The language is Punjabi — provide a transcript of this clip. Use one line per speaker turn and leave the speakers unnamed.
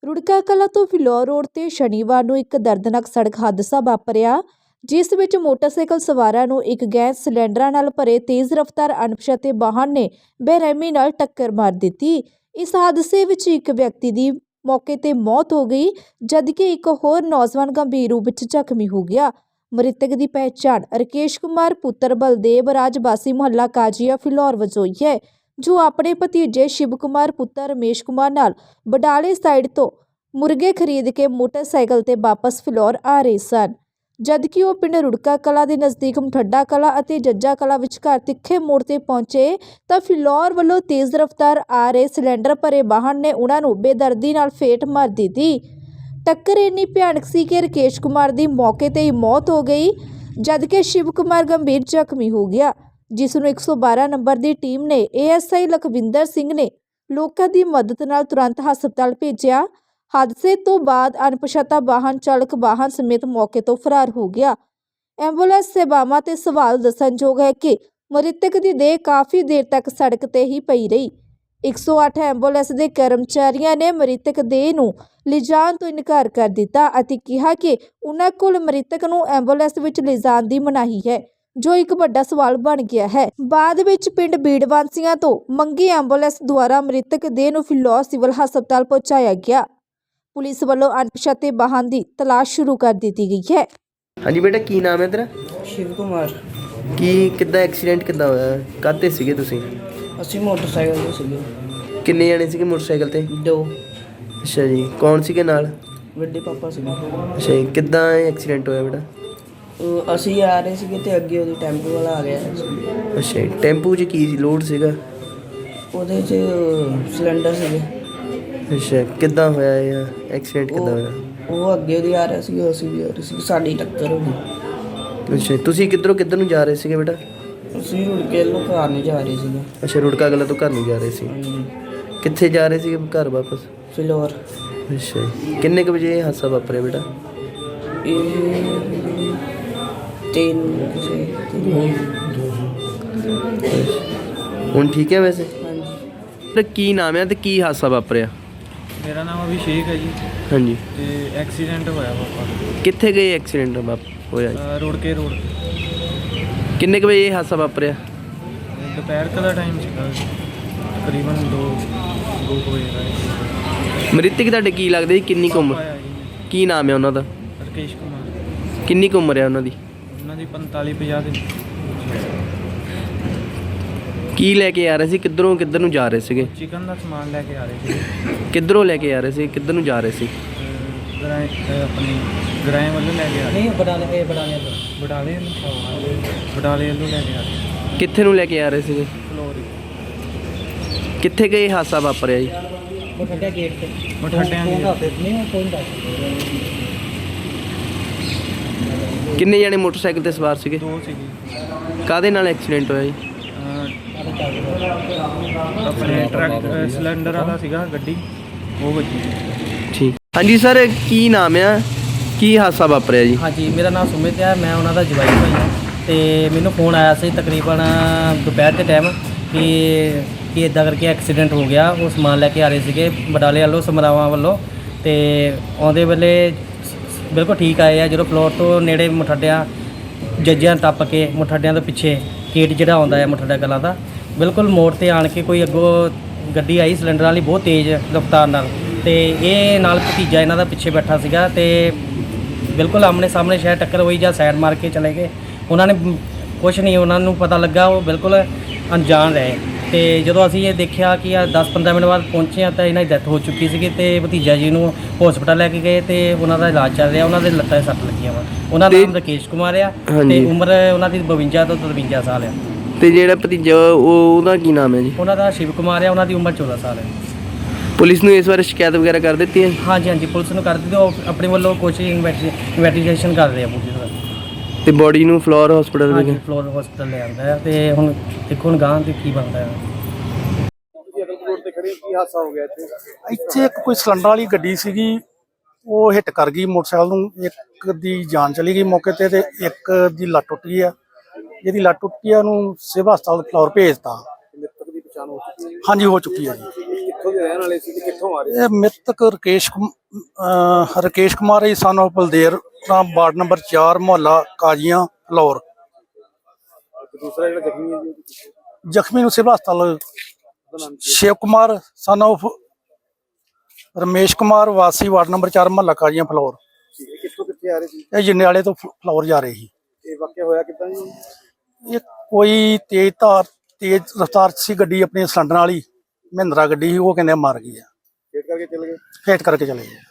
ਰੁੜਕਾ ਕਲਾਂ ਤੋਂ ਫਿਲੌਰ ਰੋਡ ਤੇ ਸ਼ਨੀਵਾਰ ਨੂੰ ਇੱਕ ਦਰਦਨਾਕ ਸੜਕ ਹਾਦਸਾ ਵਾਪਰਿਆ, ਜਿਸ ਵਿੱਚ ਮੋਟਰਸਾਈਕਲ ਸਵਾਰਾਂ ਨੂੰ ਇੱਕ ਗੈਸ ਸਿਲੰਡਰਾਂ ਨਾਲ ਭਰੇ ਤੇਜ਼ ਰਫ਼ਤਾਰ ਅਣਪਛਾਤੇ ਵਾਹਨ ਨੇ ਬੇਰਹਿਮੀ ਨਾਲ ਟੱਕਰ ਮਾਰ ਦਿੱਤੀ। ਇਸ ਹਾਦਸੇ ਵਿੱਚ ਇੱਕ ਵਿਅਕਤੀ ਦੀ ਮੌਕੇ ਤੇ ਮੌਤ ਹੋ ਗਈ, ਜਦਕਿ ਇੱਕ ਹੋਰ ਨੌਜਵਾਨ ਗੰਭੀਰ ਰੂਪ ਵਿੱਚ ਜ਼ਖਮੀ ਹੋ ਗਿਆ। ਮ੍ਰਿਤਕ ਦੀ ਪਹਿਚਾਣ ਰਕੇਸ਼ ਕੁਮਾਰ ਪੁੱਤਰ ਬਲਦੇਵ ਰਾਜ ਵਾਸੀ ਮੁਹੱਲਾ ਕਾਜੀਆ ਫਿਲੌਰ ਵਜੋਂ ਹੋਈ ਹੈ, ਜੋ ਆਪਣੇ ਭਤੀਜੇ ਸ਼ਿਵ ਕੁਮਾਰ ਪੁੱਤਰ ਰਮੇਸ਼ ਕੁਮਾਰ ਨਾਲ ਬਡਾਲੇ ਸਾਈਡ ਤੋਂ ਮੁਰਗੇ ਖਰੀਦ ਕੇ ਮੋਟਰਸਾਈਕਲ ਤੇ ਵਾਪਸ ਫਿਲੌਰ ਆ ਰਹੇ ਸਨ, ਜਦਕਿ ਉਹ ਪਿੰਡ ਰੁੜਕਾ ਕਲਾਂ ਦੇ ਨਜ਼ਦੀਕ ਮਠੱਡਾ ਕਲਾਂ ਅਤੇ ਜੱਜਾ ਕਲਾਂ ਵਿਚਕਾਰ ਤਿੱਖੇ ਮੋੜ ਤੇ ਪਹੁੰਚੇ ਤਾਂ ਫਿਲੌਰ ਵੱਲੋਂ ਤੇਜ਼ ਰਫ਼ਤਾਰ ਆ ਰਹੇ ਸਿਲੰਡਰ ਭਰੇ ਵਾਹਨ ਨੇ ਉਹਨਾਂ ਨੂੰ ਬੇਦਰਦੀ ਨਾਲ ਫੇਟ ਮਾਰ ਦਿੱਤੀ। ਟੱਕਰ ਇੰਨੀ ਭਿਆਨਕ ਸੀ ਕਿ ਰਕੇਸ਼ ਕੁਮਾਰ ਦੀ ਮੌਕੇ ਤੇ ਹੀ ਮੌਤ ਹੋ ਗਈ, ਜਦਕਿ ਸ਼ਿਵ ਕੁਮਾਰ ਗੰਭੀਰ ਜ਼ਖਮੀ ਹੋ ਗਿਆ, ਜਿਸ ਨੂੰ 112 ਨੰਬਰ ਦੀ ਟੀਮ ਨੇ ASI ਲਖਵਿੰਦਰ ਸਿੰਘ ਨੇ ਲੋਕਾਂ ਦੀ ਮਦਦ ਨਾਲ ਤੁਰੰਤ ਹਸਪਤਾਲ ਭੇਜਿਆ। ਹਾਦਸੇ ਤੋਂ ਬਾਅਦ ਅਣਪਛਾਤਾ ਵਾਹਨ ਚਾਲਕ ਵਾਹਨ ਸਮੇਤ ਮੌਕੇ ਤੋਂ ਫਰਾਰ ਹੋ ਗਿਆ। ਐਂਬੂਲੈਂਸ ਸੇਵਾਵਾਂ ਤੇ ਸਵਾਲ ਦੱਸਣਯੋਗ ਹੈ ਕਿ ਮ੍ਰਿਤਕ ਦੀ ਦੇਹ ਕਾਫੀ ਦੇਰ ਤੱਕ ਸੜਕ ਤੇ ਹੀ ਪਈ ਰਹੀ। 108 ਐਂਬੂਲੈਂਸ ਦੇ ਕਰਮਚਾਰੀਆਂ ਨੇ ਮ੍ਰਿਤਕ ਦੇਹ ਨੂੰ ਲਿਜਾਣ ਤੋਂ ਇਨਕਾਰ ਕਰ ਦਿੱਤਾ ਅਤੇ ਕਿਹਾ ਕਿ ਉਹਨਾਂ ਕੋਲ ਮ੍ਰਿਤਕ ਨੂੰ ਐਂਬੂਲੈਂਸ ਵਿੱਚ ਲਿਜਾਣ ਦੀ ਮਨਾਹੀ ਹੈ, ਜੋ ਇੱਕ ਵੱਡਾ ਸਵਾਲ ਬਣ ਗਿਆ ਹੈ। ਬਾਅਦ ਵਿੱਚ ਪਿੰਡ ਬੀੜਵਾਂਸੀਆਂ ਤੋਂ ਮੰਗੀ ਐਂਬੂਲੈਂਸ ਦੁਆਰਾ ਮ੍ਰਿਤਕ ਦੇਹ ਨੂੰ ਫਿਲੌਰ ਸਿਵਲ ਹਸਪਤਾਲ ਪਹੁੰਚਾਇਆ ਗਿਆ। ਪੁਲਿਸ ਵੱਲੋਂ ਅਣਪਛਾਤੇ ਵਾਹਨ ਦੀ ਤਲਾਸ਼ ਸ਼ੁਰੂ ਕਰ ਦਿੱਤੀ ਗਈ ਹੈ।
ਹਾਂਜੀ ਬੇਟਾ, ਕੀ ਨਾਮ ਹੈ ਤੇਰਾ?
ਸ਼ਿਵ ਕੁਮਾਰ।
ਕਿੱਦਾਂ ਐਕਸੀਡੈਂਟ ਕਿੱਦਾਂ ਹੋਇਆ? ਕਾਹਤੇ ਸੀਗੇ ਤੁਸੀਂ?
ਅਸੀਂ ਮੋਟਰਸਾਈਕਲ ਤੇ ਸੀਗੇ।
ਕਿੰਨੇ ਜਣੇ ਸੀਗੇ ਮੋਟਰਸਾਈਕਲ ਤੇ?
2।
ਅੱਛਾ ਜੀ, ਕੌਣ ਸੀਗੇ ਨਾਲ?
ਵੱਡੇ ਪਾਪਾ ਸੀਗੇ।
ਅੱਛਾ ਜੀ, ਕਿੱਦਾਂ ਐਕਸੀਡੈਂਟ ਹੋਇਆ ਬੇਟਾ?
ਅਸੀਂ ਆ ਰਹੇ ਸੀਗੇ ਤੇ ਅੱਗੇ ਉਹਦੀ ਟੈਂਪੂ ਵਾਲਾ ਆ ਗਿਆ।
ਅੱਛਾ ਜੀ, ਟੈਂਪੂ 'ਚ ਕੀ ਸੀ, ਲੋਡ ਸੀਗਾ?
ਉਹਦੇ 'ਚ ਸਿਲੰਡਰ ਸੀਗੇ।
ਅੱਛਾ, ਕਿੱਦਾਂ ਹੋਇਆ ਇਹ ਐਕਸੀਡੈਂਟ? ਕਿੱਦਾਂ ਹੋਇਆ?
ਉਹ ਅੱਗੇ ਉਹਦੀ ਆ ਰਿਹਾ ਸੀਗਾ, ਅਸੀਂ ਵੀ ਆ ਰਹੇ ਸੀ, ਸਾਡੀ ਟੱਕਰ ਹੋ ਗਈ।
ਅੱਛਾ, ਤੁਸੀਂ ਕਿੱਧਰ ਨੂੰ ਜਾ ਰਹੇ ਸੀਗੇ ਬੇਟਾ?
ਅਸੀਂ ਰੁੜਕੇ ਨੂੰ ਘਰ ਨਹੀਂ ਜਾ ਰਹੇ ਸੀਗੇ।
ਅੱਛਾ, ਰੁੜਕਾ ਕਲਾਂ ਤੋਂ ਘਰ ਨੂੰ ਜਾ ਰਹੇ ਸੀ।
ਹਾਂਜੀ।
ਕਿੱਥੇ ਜਾ ਰਹੇ ਸੀਗੇ ਘਰ ਵਾਪਸ?
ਫਿਲੌਰ।
ਅੱਛਾ ਜੀ, ਕਿੰਨੇ ਕੁ ਵਜੇ ਇਹ ਹਾਦਸਾ ਵਾਪਰਿਆ ਬੇਟਾ?
ਇਹ 3
ਹੁਣ ਠੀਕ ਹੈ ਵੈਸੇ?
ਹਾਂਜੀ।
ਤੇ ਕੀ ਨਾਮ ਹੈ ਤੇ ਕੀ ਹਾਦਸਾ ਵਾਪਰਿਆ?
ਮੇਰਾ ਨਾਮ ਅਭਿਸ਼ੇਕ ਹੈ ਜੀ।
ਹਾਂਜੀ।
ਤੇ ਐਕਸੀਡੈਂਟ ਹੋਇਆ ਪਾਪਾ।
ਕਿੱਥੇ ਗਏ ਐਕਸੀਡੈਂਟ ਹੋਇਆ ਜੀ?
ਰੋੜਕੇ ਰੋਡ।
ਕਿੰਨੇ ਕੁ ਵਜੇ ਇਹ ਹਾਦਸਾ ਵਾਪਰਿਆ?
ਦੁਪਹਿਰ ਦਾ ਟਾਈਮ ਸੀਗਾ, ਤਕਰੀਬਨ 2 ਵਜੇ ਦਾ।
ਮ੍ਰਿਤਕ ਤੁਹਾਡੇ ਕੀ ਲੱਗਦੇ ਜੀ? ਕਿੰਨੀ ਕੁ ਉਮਰ?
ਆਇਆ ਜੀ
ਕੀ ਨਾਮ ਹੈ ਉਹਨਾਂ ਦਾ?
ਰਕੇਸ਼ ਕੁਮਾਰ।
ਕਿੰਨੀ ਕੁ ਉਮਰ ਹੈ ਉਹਨਾਂ ਦੀ?
ਉਹਨਾਂ ਦੀ 45-50 ਦੇ।
ਕੀ ਲੈ ਕੇ ਆ ਰਹੇ ਸੀ? ਕਿੱਧਰ ਨੂੰ ਜਾ ਰਹੇ ਸੀਗੇ?
ਚਿਕਨ ਦਾ ਸਮਾਨ ਲੈ ਕੇ ਆ ਰਹੇ ਸੀ।
ਕਿੱਧਰੋਂ ਲੈ ਕੇ ਆ ਰਹੇ ਸੀ? ਕਿੱਧਰ ਨੂੰ ਜਾ ਰਹੇ ਸੀ?
ਆਪਣੀ ਗਰਾਏ ਵੱਲੋਂ ਲੈ ਕੇ ਆ ਰਹੇ।
ਨਹੀਂ, ਬਡਾਲੇ
ਬਡਾਲੇ ਵੱਲੋਂ ਲੈ ਕੇ ਆ ਰਹੇ।
ਕਿੱਥੇ ਨੂੰ ਲੈ ਕੇ ਆ ਰਹੇ ਸੀਗੇ?
ਫਲੋਰੀ।
ਕਿੱਥੇ ਗਏ ਹਾਦਸਾ ਵਾਪਰਿਆ ਜੀ?
ਮਠੱਡਾ ਗੇਟ ਤੇ।
ਮਠੱਡਿਆਂ ਦੀ।
ਨਹੀਂ, ਕੋਈ ਦੱਸ।
ਕਿੰਨੇ ਜਣੇ ਮੋਟਰਸਾਈਕਲ ਤੇ ਸਵਾਰ ਸੀਗੇ?
2 ਸੀਗੇ।
ਕਾਹਦੇ ਨਾਲ ਐਕਸੀਡੈਂਟ ਹੋਇਆ ਜੀ?
ਆਪਣੇ ਟਰੱਕ ਸਿਲੰਡਰ ਵਾਲਾ ਸੀਗਾ ਗੱਡੀ, ਉਹ ਵੱਜੀ।
ਠੀਕ। ਹਾਂਜੀ ਸਰ, ਕੀ ਨਾਮ ਆ? ਕੀ ਹਾਦਸਾ ਵਾਪਰਿਆ ਜੀ?
ਹਾਂਜੀ, ਮੇਰਾ ਨਾਮ ਸੁਮਿਤ ਹੈ, ਮੈਂ ਉਹਨਾਂ ਦਾ ਜਵਾਈ ਭਾਈ ਹਾਂ। ਤੇ ਮੈਨੂੰ ਫੋਨ ਆਇਆ ਸੀ ਤਕਰੀਬਨ ਦੁਪਹਿਰ ਦੇ ਟਾਈਮ ਕਿ ਇੱਦਾਂ ਕਰਕੇ ਐਕਸੀਡੈਂਟ ਹੋ ਗਿਆ। ਉਹ ਸਮਾਨ ਲੈ ਕੇ ਆ ਰਹੇ ਸੀਗੇ ਬਡਾਲੇ ਵੱਲੋਂ, ਸਮਰਾਵਾਂ ਵੱਲੋਂ। ਤੇ ਆਉਂਦੇ ਵੇਲੇ ਬਿਲਕੁਲ ਠੀਕ ਆਏ ਆ। ਜਦੋਂ ਫਲੋਰ ਤੋਂ ਨੇੜੇ ਮਠੱਡਿਆਂ ਜੱਜਿਆਂ ਟੱਪ ਕੇ ਮਠੱਡਿਆਂ ਤੋਂ ਪਿੱਛੇ ਗੇਟ ਜਿਹੜਾ ਆਉਂਦਾ ਹੈ ਮਠੱਡਾ ਕਲਾਂ ਦਾ, ਬਿਲਕੁਲ ਮੋੜ ਤੇ ਆਣ ਕੇ ਕੋਈ ਅੱਗੋਂ ਗੱਡੀ ਆਈ ਸਿਲੰਡਰ ਵਾਲੀ ਬਹੁਤ ਤੇਜ਼ ਰਫ਼ਤਾਰ ਨਾਲ, ਤੇ ਇਹ ਨਾਲ ਭਤੀਜਾ ਇਹਨਾਂ ਦਾ ਪਿੱਛੇ ਬੈਠਾ ਸੀਗਾ ਤੇ ਬਿਲਕੁਲ ਆਮਣੇ ਸਾਹਮਣੇ ਸ਼ਾਇਦ ਟੱਕਰ ਹੋਈ ਜਾਂ ਸਾਈਡ ਮਾਰ ਕੇ ਚਲੇ ਗਏ। ਉਹਨਾਂ ਨੇ ਕੁਛ ਨਹੀਂ, ਉਹਨਾਂ ਨੂੰ ਪਤਾ ਲੱਗਾ, ਉਹ ਬਿਲਕੁਲ ਅਣਜਾਣ ਰਹੇ। ਤੇ ਜਦੋਂ ਅਸੀਂ ਇਹ ਦੇਖਿਆ ਕਿ 10-15 ਮਿੰਟ ਬਾਅਦ ਪਹੁੰਚੇ ਤਾਂ ਇਹਨਾਂ ਦੀ ਡੈਥ ਹੋ ਚੁੱਕੀ ਸੀਗੀ ਤੇ ਭਤੀਜਾ ਜੀ ਨੂੰ ਹਸਪਤਾਲ ਲੈ ਕੇ ਗਏ ਤੇ ਉਹਨਾਂ ਦਾ ਇਲਾਜ ਚੱਲ ਰਿਹਾ। ਉਹਨਾਂ ਦੇ ਲੱਤਾਂ 'ਤੇ ਸੱਟ ਲੱਗੀਆਂ ਵਾ। ਉਹਨਾਂ ਦਾ ਨਾਮ ਰਕੇਸ਼ ਕੁਮਾਰ ਆ ਤੇ ਉਮਰ ਉਹਨਾਂ ਦੀ 52 ਤੋਂ 53 ਸਾਲ ਆ।
ਤੇ ਜਿਹੜਾ ਭਤੀਜਾ ਉਹਦਾ ਕੀ ਨਾਮ ਹੈ ਜੀ?
ਉਹਨਾਂ ਦਾ ਸ਼ਿਵ ਕੁਮਾਰ ਆ, ਉਹਨਾਂ ਦੀ ਉਮਰ 14 ਸਾਲ ਹੈ।
ਪੁਲਿਸ ਨੂੰ ਇਸ ਬਾਰੇ ਸ਼ਿਕਾਇਤ ਵਗੈਰਾ ਕਰ ਦਿੱਤੀ ਹੈ?
ਹਾਂਜੀ, ਪੁਲਿਸ ਨੂੰ ਕਰ ਦਿੱਤੀ। ਉਹ ਆਪਣੇ ਵੱਲੋਂ ਕੋਸ਼ਿਸ਼ ਇਨਵੈਸਟੀਗੇਸ਼ਨ ਕਰ ਰਹੇ ਆ ਪੁਲਿਸ ਦਾ।
ਤੇ ਬੋਡੀ ਨੂੰ ਫਲੋਰ ਹਸਪੀਟਲ
ਹਾਂਜੀ, ਫਲੋਰ ਹਸਪੀਟਲ ਲੈ ਆਂਦਾ ਹੈ ਤੇ ਹੁਣ ਦੇਖੋ ਹੁਣ ਗਾਂ ਤੇ ਕੀ ਬਣਦਾ ਹੈ।
ਇੱਥੇ ਇੱਕ ਕੋਈ ਸਿਲੰਡਰ ਵਾਲੀ ਗੱਡੀ ਸੀਗੀ, ਉਹ ਹਿੱਟ ਕਰ ਗਈ ਮੋਟਰਸਾਈਕਲ ਨੂੰ। ਇੱਕ ਦੀ ਜਾਨ ਚਲੀ ਗਈ ਮੌਕੇ ਤੇ ਇੱਕ ਦੀ ਲੱਤ ਟੁੱਟ ਗਈ ਆ। ਜਿਹਦੀ ਲੱਤ ਟੁੱਟ ਗਈ ਆ ਉਹਨੂੰ ਸਿਵਲ ਹਸਪਤਾਲ ਫਲੋਰ ਭੇਜਤਾ। ਹਾਂਜੀ, ਹੋ ਚੁੱਕੀ ਹੈ ਜੀ।
ਕਿੱਥੋਂ ਦੇ ਰਹਿਣ ਵਾਲੇ ਸੀ ਤੇ ਕਿੱਥੋਂ ਆ ਰਹੇ
ਇਹ ਮ੍ਰਿਤਕ Rakesh Kumar ji son of Baldev Ram ward number 4 ਮੁਹੱਲਾ ਕਾਜੀਆਂ ਫਲੌਰ।
ਸੀ? ਦੂਸਰਾ ਜਿਹੜਾ ਜ਼ਖਮੀ ਹੈ ਜੀ
ਜ਼ਖਮੀ ਨੂੰ ਸਿਵਲ ਹਸਪਤਾਲ ਸ਼ਿਵ ਕੁਮਾਰ ਸਨ ਆਫ ਰਮੇਸ਼ ਕੁਮਾਰ ਵਾਸੀ ਵਾਰਡ ਨੰਬਰ 4 ਮੁਹੱਲਾ ਕਾਜੀਆਂ ਫਲੌਰ।
ਇਹ ਕਿੱਥੋਂ ਕਿੱਥੇ ਆ ਰਹੇ ਸੀ?
ਇਹ ਜੰਡਿਆਲੇ ਤੋਂ ਫਲੌਰ ਜਾ ਰਹੇ ਸੀ।
ਇਹ ਵਾਕਿਆ ਹੋਇਆ ਕਿੱਦਾਂ ਜੀ?
ਇਹ ਕੋਈ ਤੇਜ਼ ਰਫ਼ਤਾਰ 'ਚ ਸੀ ਗੱਡੀ, ਆਪਣੀ ਸਿਲੰਡਰ ਵਾਲੀ ਮਹਿੰਦਰਾ ਗੱਡੀ ਸੀ, ਉਹ ਕਹਿੰਦੇ ਮਾਰ ਗਈ ਆ,
ਵੇਟ ਕਰਕੇ ਚਲੇ ਗਏ।
ਫੇਟ ਕਰਕੇ ਚਲੇ ਗਏ।